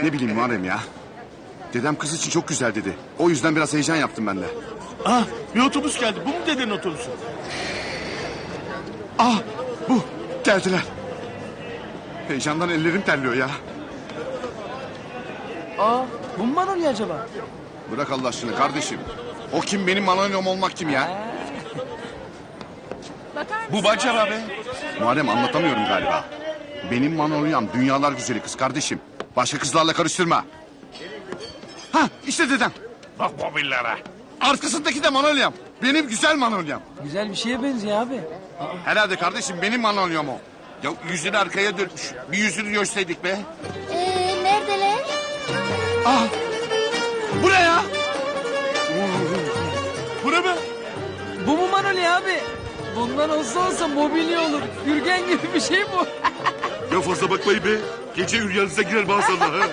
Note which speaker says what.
Speaker 1: Ne bileyim Muharrem ya. Dedem kız için çok güzel dedi. O yüzden biraz heyecan yaptım ben de.
Speaker 2: Ah, bir otobüs geldi. Bu mu dedenin otobüsü?
Speaker 1: Ah bu geldiler. Heyecandan ellerim terliyor ya.
Speaker 3: Aa, bu mu Manolya acaba?
Speaker 1: Bırak Allah aşkına kardeşim. O kim, benim Manolya'm olmak kim ya?
Speaker 2: Bu Bacar abi.
Speaker 1: Muharrem, anlatamıyorum galiba. Benim Manolya'm dünyalar güzeli kız kardeşim. Başka kızlarla karıştırma. Ha işte dedem.
Speaker 2: Bak mobillere.
Speaker 1: Arkasındaki de Manolya'm. Benim güzel Manolya'm.
Speaker 3: Güzel bir şeye benziyor abi.
Speaker 1: Herhalde kardeşim, benim Manolya'm o. Ya yüzünü arkaya dönmüş. Bir yüzünü görseydik be.
Speaker 4: Neredeler?
Speaker 1: Ah! Bu ne ya?
Speaker 2: Bu ne be?
Speaker 3: Bu mu Manolya abi? Bundan olsa mobilya olur. Gürgen gibi bir şey bu.
Speaker 2: Ya fazla bakmayın be. Gece rüyanıza girer maazallah.